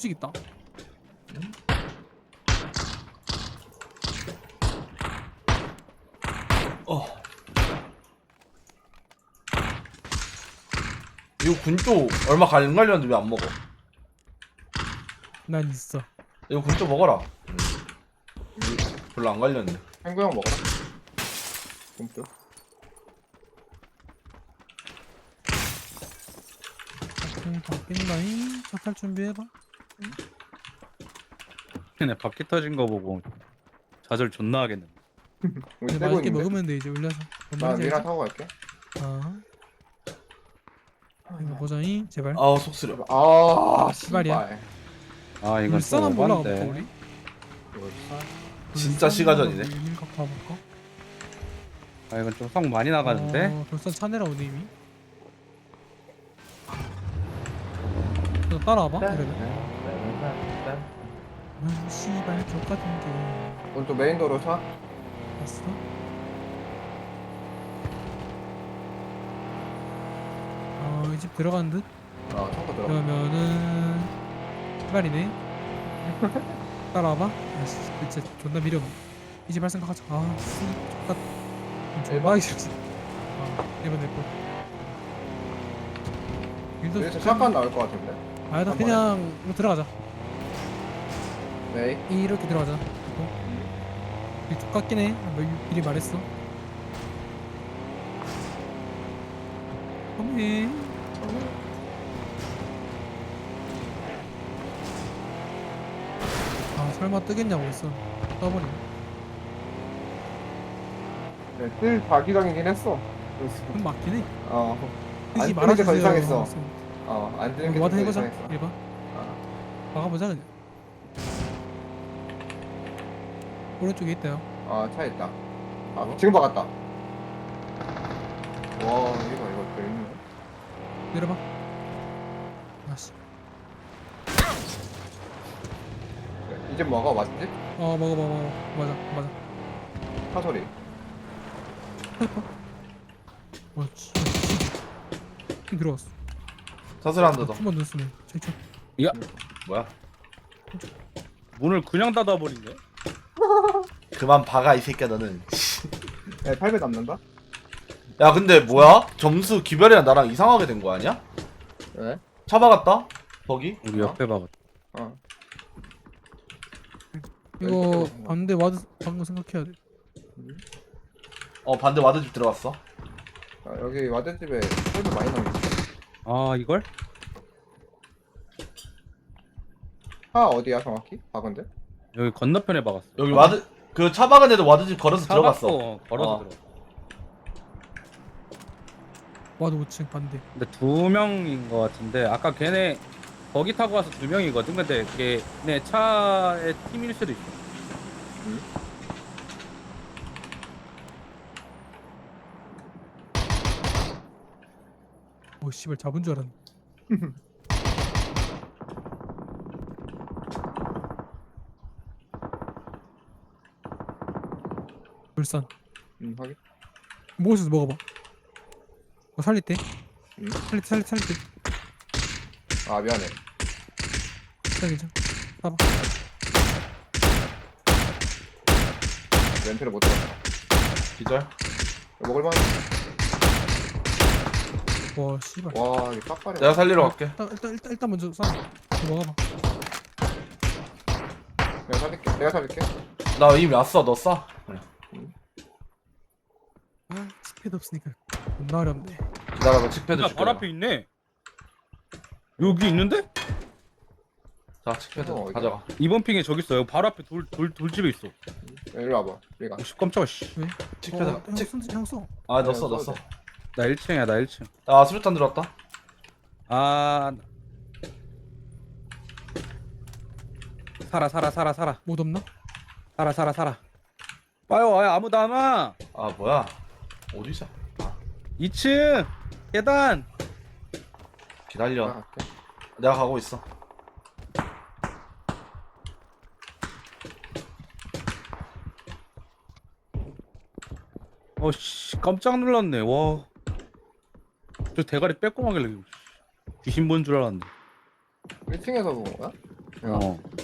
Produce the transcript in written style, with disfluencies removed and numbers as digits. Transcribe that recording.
수직 있다. 이거 군쪽 얼마 안 갈렸는데 왜 안 먹어? 난 있어. 이거 군쪽 먹어라. 별로 안 갈렸네. 행구 형 먹어라. 굶겨. 바뀐다잉. 차탈 준비해봐. 걔네 바퀴 터진 거 보고 좌절 존나 하겠네. 우리 이제 떼고 맛있게 있는데. 먹으면 돼 이제 올려서. 나 미라 타고 갈게. 아. 이거 보자잉 제발. 아우 속 쓰려. 아, 씨발이야. 씨발. 아 이건 울산 또 한번 올라가 볼까 오반데. 우리? 이거 진짜 시가전이네. 유민 각 가볼까? 아 이건 좀 성 많이 나가는데. 돌산 차내라 오늘 이미. 너 따라와봐 이러면. 아 씨발 족같은 게. 오른쪽 메인 도로 차. 봤어? 이 집 들어간 듯? 창고 들어. 그러면은 말이네. 따라와봐. 아씨 진짜 존나 미려. 이 집 할 생각하자. 아씨 족같. 존나 하기 싫었어. 이번 내 거. 일도 여기서 샷건 나올 것 같은데. 아니다 한 그냥 이거 들어가자. 네. 이렇게 들어가자. 이 족같긴 해. 미리 말했어. 어메. 아 설마 뜨겠냐고 했어. 떠버리네. 네, 뜰 자기장이긴 했어. 그래서 그럼 맞긴 해. 안 뜨지 뜨는 게 더 말아주세요. 이상했어. 안 뜨는 게 와드 더 해보자. 이상했어. 1번 아, 막아보자 그냥. 오른쪽에 있대요. 차 있다. 지금 박았다. 와, 이거 재밌네. 내려봐. 아씨. 이제 뭐가 맞지? 먹어. 맞아. 차 소리. 와 씨. 힘 들어왔어. 사슬한다 더. 한번 넣었으네. 저. 야 뭐야? 문을 그냥 닫아버리네. 그만 박아 이 새끼야 너는. 네, 8배 남는다? 야 근데 뭐야? 점수 기별이랑 나랑 이상하게 된 거 아니야? 네. 차 박았다? 거기? 우리 옆에 봐. 이거 반대 와드 방금 생각해야 돼. 반대 와드집 들어갔어. 여기 와드집에 8배 많이 남았어. 아 이걸? 차 어디야 정확히? 박은데? 여기 건너편에 박았어. 여기 와드 그 차 박은 애들 와드집 걸어서 들어갔어. 걸어서 어. 들어. 와드 5층 반대. 근데 2명인 것 같은데 아까 걔네 거기 타고 와서 2명이거든. 근데 걔네 차의 팀일 수도 있어. 오 씨발 잡은 줄 알았네. 울산. 확인. 먹을 수 먹어봐. 살릴 때. 응? 살릴 때. 미안해. 괜찮. 봐봐. 렌트를 못 들었다. 기절. 먹을만. 와 씨발. 와, 이거 빡빡해. 내가 살리러 갈게. 일단 먼저 쏴. 이거 먹어봐. 내가 살릴게. 나 이미 왔어. 너 쏴. 그래. 스피드 없으니까 존나 어렵네. 기다려봐. 칙패드 야, 줄게. 바로 앞에 있네. 여기 있는데? 자 칙패드 어디야? 가져가. 이번 핑에 저기 있어. 여기 바로 앞에 돌집에 있어. 일로 와봐. 우리가. 오씨 깜짝아 씨. 왜? 칙패드. 형 써. 아 넣었어. 나 1층이야 나 1층. 아 수류탄 들어왔다. 아 살아. 못 없나? 살아. 봐요 아무도 안 와. 아 뭐야? 어디서? 2층 계단. 기다려. 갈게. 내가 가고 있어. 어씨 깜짝 놀랐네. 와. 저 대가리 빼꼼하길래 귀신 본 줄 알았는데. 1층에서 본 거야? 야, 어.